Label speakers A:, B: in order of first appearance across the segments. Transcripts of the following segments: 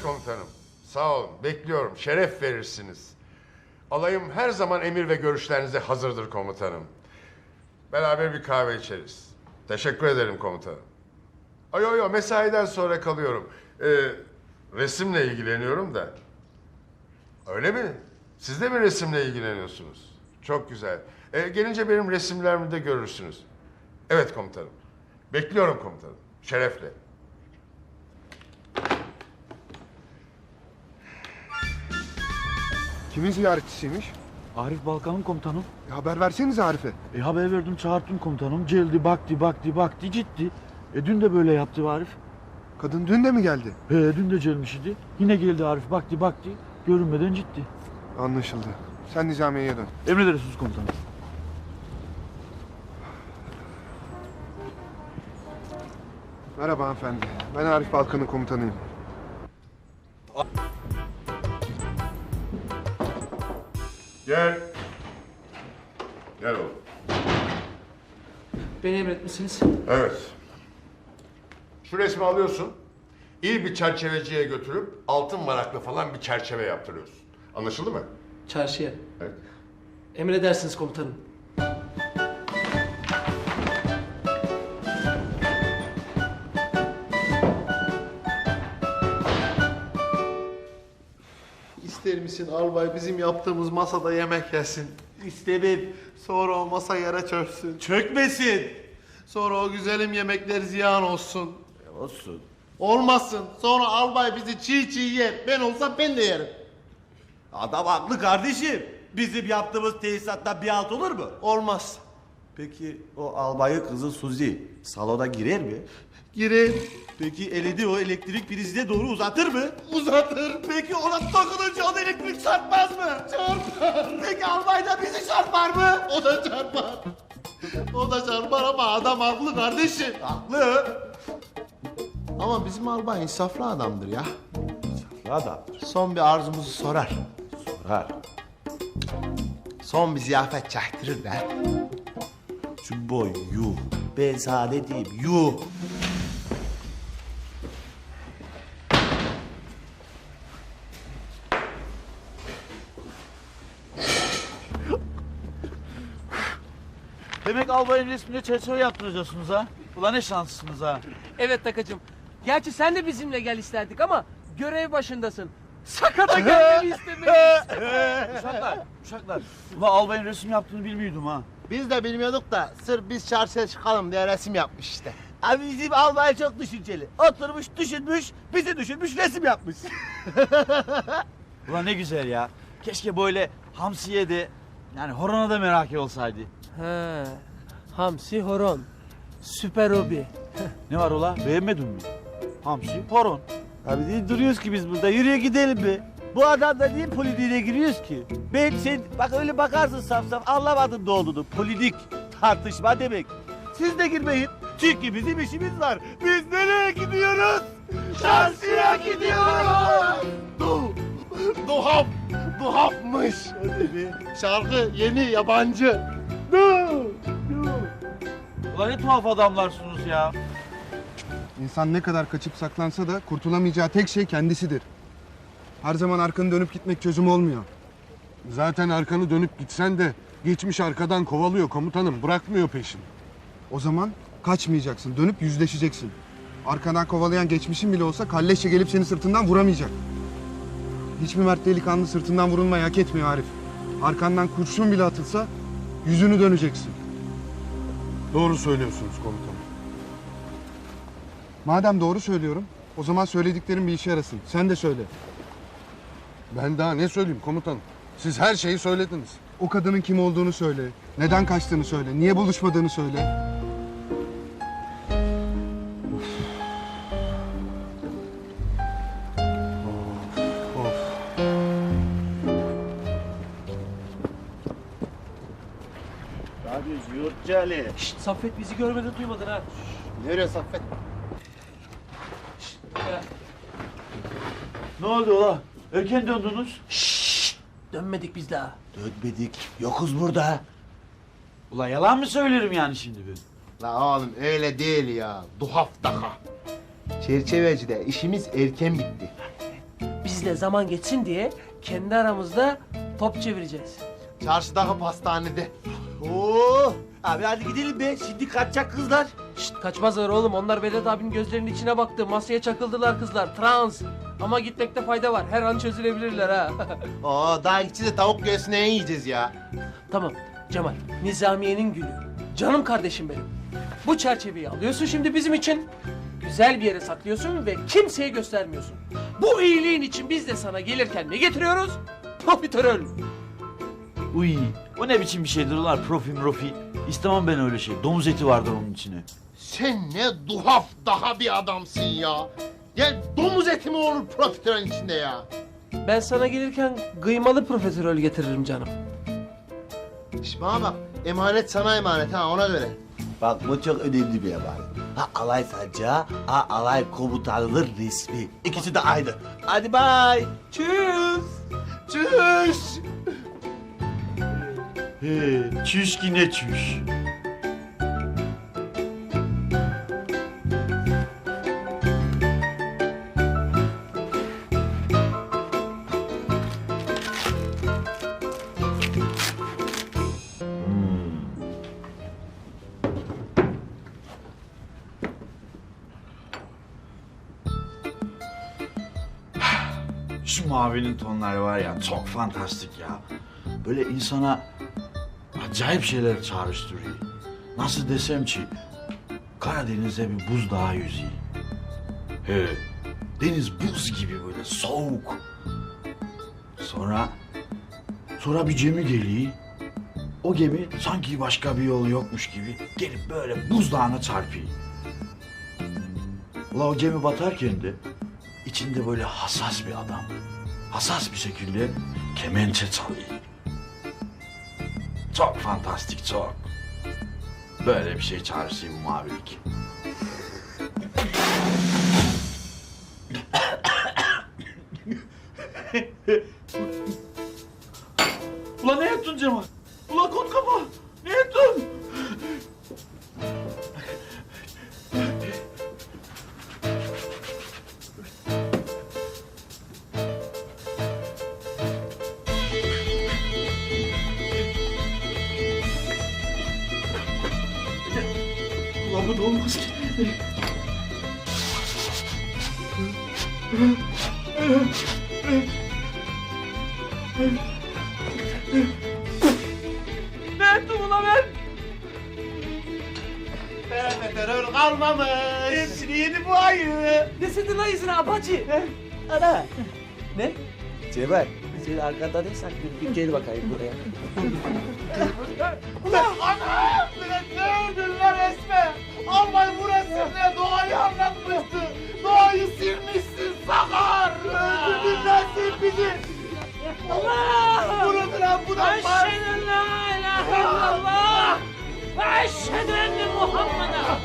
A: komutanım. Sağ olun. Bekliyorum. Şeref verirsiniz. Alayım her zaman emir ve görüşlerinize hazırdır komutanım. Beraber bir kahve içeriz. Teşekkür ederim komutanım. Yo mesaiden sonra kalıyorum. Resimle ilgileniyorum da. Öyle mi? Siz de mi resimle ilgileniyorsunuz? Çok güzel. Gelince benim resimlerimi de görürsünüz. Evet komutanım. Bekliyorum komutanım. Şerefle.
B: Kimin ziyaretçisiymiş?
C: Arif Balkan'ın komutanım.
B: Haber versenize Arif'e.
C: Haber verdim, çağırttım komutanım. Geldi, baktı, gitti. Dün de böyle yaptı Arif.
B: Kadın dün de mi geldi?
C: Dün de gelmiş idi. Yine geldi Arif, baktı, görünmeden gitti.
B: Anlaşıldı. Sen Nizamiye'ye dön.
C: Emredersiniz komutanım.
B: Merhaba hanımefendi. Ben Arif Balkan'ın komutanıyım.
A: Gel. Gel oğlum.
D: Beni emretmişsiniz.
A: Evet. Şu resmi alıyorsun. İyi bir çerçeveciye götürüp altın varaklı falan bir çerçeve yaptırıyorsun. Anlaşıldı mı?
D: Çarşıya.
A: Evet.
D: Emredersiniz komutanım.
E: İster misin albay bizim yaptığımız masada yemek yesin? İstemem. Sonra o masa yere çöksün.
F: Çökmesin.
E: Sonra o güzelim yemekler ziyan olsun.
F: Olsun.
E: Olmasın. Sonra albay bizi çiğ çiğ yer. Ben olsam ben de yerim.
F: Adam haklı kardeşim. Bizim yaptığımız tesisattan bir alt olur mu?
E: Olmaz.
F: Peki o albayın kızı Suzi salona girer mi?
E: Girer.
F: Peki elini o elektrik prizine doğru uzatır mı?
E: Uzatır.
F: Peki ona takılınca ona elektrik çarpmaz mı?
E: Çarpar.
F: Peki albay da bizi çarpar mı?
E: O da çarpar. O da çarpar ama adam haklı kardeşim.
F: Haklı.
E: Ama bizim albay insaflı adamdır ya.
F: Adamdır.
E: Son bir arzumuzu sorar.
F: Sorar.
E: Son bir ziyafet çaktırır be.
F: Cumboy yuh. Ben sana ne diyeyim yuh.
C: Demek albayın resmine çerçeve yaptıracaksınız ha? Ulan ne şanslısınız ha?
D: Evet Takacığım. Gerçi sen de bizimle gel isterdik ama görev başındasın. Sakata gelmeni istemeyiz.
C: Uşaklar. Ulan albayın resim yaptığını bilmiyordum ha.
E: Biz de bilmiyorduk da sırf biz çarşıya çıkalım diye resim yapmış işte.
F: Abi bizim albay çok düşünceli. Oturmuş düşünmüş, bizi düşünmüş resim yapmış.
C: Ulan ne güzel ya. Keşke böyle hamsiye de yani horona da merak olsaydı.
D: He. Hamsi horon. Süper hobi.
C: Ne var ola? Beğenmedin mi? Hamsi, horon.
F: Abi niye duruyoruz ki biz burada? Yürüye gidelim be. Bu adamla niye politiğine giriyoruz ki? Ben sen bak öyle bakarsın saf saf anlamadın ne olduğunu. Politik tartışma demek. Siz de girmeyin. Çünkü bizim işimiz var. Biz nereye gidiyoruz? Çarşıya gidiyoruz.
E: Duhafmış. Şarkı yeni yabancı.
C: Ulan ne tuhaf adamlarsınız ya.
B: İnsan ne kadar kaçıp saklansa da kurtulamayacağı tek şey kendisidir. Her zaman arkanı dönüp gitmek çözüm olmuyor.
A: Zaten arkanı dönüp gitsen de geçmiş arkadan kovalıyor komutanım. Bırakmıyor peşini.
B: O zaman kaçmayacaksın, dönüp yüzleşeceksin. Arkadan kovalayan geçmişin bile olsa kalleşçe gelip seni sırtından vuramayacak. Hiçbir mert delikanlı sırtından vurulmayı hak etmiyor Arif. Arkandan kurşun bile atılsa yüzünü döneceksin.
A: Doğru söylüyorsunuz komutanım.
B: Madem doğru söylüyorum, o zaman söylediklerim bir işe yarasın. Sen de söyle.
A: Ben daha ne söyleyeyim komutanım? Siz her şeyi söylediniz.
B: O kadının kim olduğunu söyle. Neden kaçtığını söyle. Niye buluşmadığını söyle.
F: Abi Yurtcali.
D: Şşt Saffet bizi görmeden duymadın ha.
E: Nereye Saffet?
C: Ne oldu ola? Erken döndünüz.
D: Dönmedik biz daha.
F: Dönmedik. Yokuz burada.
C: Ulan yalan mı söylerim yani şimdi ben?
E: La oğlum öyle değil ya. Duhaf daha. Çerçevecide işimiz erken bitti.
D: Biz de zaman geçsin diye kendi aramızda top çevireceğiz.
E: Çarşıdaki pastanede.
F: Oo, abi hadi gidelim be. Şimdi kaçacak kızlar.
D: Şşt kaçmazlar oğlum. Onlar Vedat abinin gözlerinin içine baktı. Masaya çakıldılar kızlar. Trans. Ama gitmekte fayda var. Her an çözülebilirler ha.
E: Oo, daha gideceğiz de tavuk göğsüne yiyeceğiz ya.
D: Tamam Cemal. Nizamiye'nin gülü. Canım kardeşim benim. Bu çerçeveyi alıyorsun şimdi bizim için. Güzel bir yere saklıyorsun ve kimseye göstermiyorsun. Bu iyiliğin için biz de sana gelirken ne getiriyoruz? Profiterol.
C: Uy, o ne biçim bir şeydir ulan profi. İstemem ben öyle şey. Domuz eti vardır onun içine.
E: Sen ne duhaf daha bir adamsın ya. Ya domuz eti mi olur profiterolün içinde ya?
D: Ben sana gelirken kıymalı profiterol getiririm canım.
E: İşte bana bak, emanet sana emanet ha, ona göre.
F: Bak bu çok önemli bir haber. Ha alay sancağı, ha alay komutanının resmi. İkisi de aynı. Hadi bay. Tschüss.
E: Tschüss.
C: He, çüş ki ne çüş. Şu mavinin tonları var ya çok fantastik ya. Böyle insana acayip şeyler çağrıştırıyor. Nasıl desem ki Karadeniz'de bir buzdağı yüzüyor. He, deniz buz gibi böyle soğuk. Sonra bir gemi geliyor. O gemi sanki başka bir yol yokmuş gibi gelip böyle buzdağına çarpıyor. Ula o gemi batarken de içinde böyle hassas bir adam. Hassas bir şekilde kemençe çalıyor. Çok fantastik, çok. Böyle bir şey çağrışıyor bu mavilik. Ulan ne yaptın Cemal? Ulan kot kafa! Ne yaptın? Ulan bu da olmaz ki.
D: Ne ettim ulan ben?
E: Profiterol kalmamış.
F: Hepsini yedi bu ayı.
D: Ne sedin lan izine abacı?
F: Ana.
D: Ne?
F: Cemal, sen arkada ne saklıyorsun? Bir gel bakayım buraya.
E: Ana! Ne ödüller Esme? Albay burası ne? Doğayı anlatmıştı. Doğayı silmişsin Sakar. Öldürdün lan sen bizi.
D: Allah!
E: Vurun lan bu da
D: Eşhedü la ilahe illallah ve eşhedü enne Muhammeden.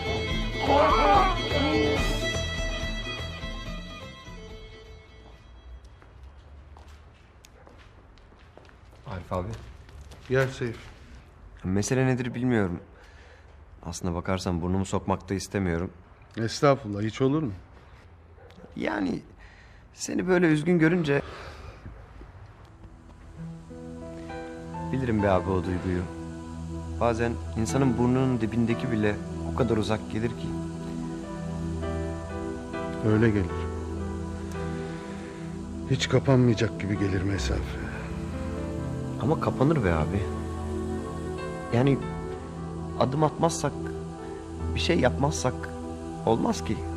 G: Arif abi,
B: Gel Seyf.
G: mesele nedir bilmiyorum. Aslına bakarsan burnumu sokmak da istemiyorum.
B: Estağfurullah, hiç olur mu?
G: Yani seni böyle üzgün görünce... Bilirim be abi o duyguyu. Bazen insanın burnunun dibindeki bile o kadar uzak gelir ki.
B: Öyle gelir. Hiç kapanmayacak gibi gelir mesafe.
G: Ama kapanır be abi. Yani adım atmazsak, bir şey yapmazsak olmaz ki.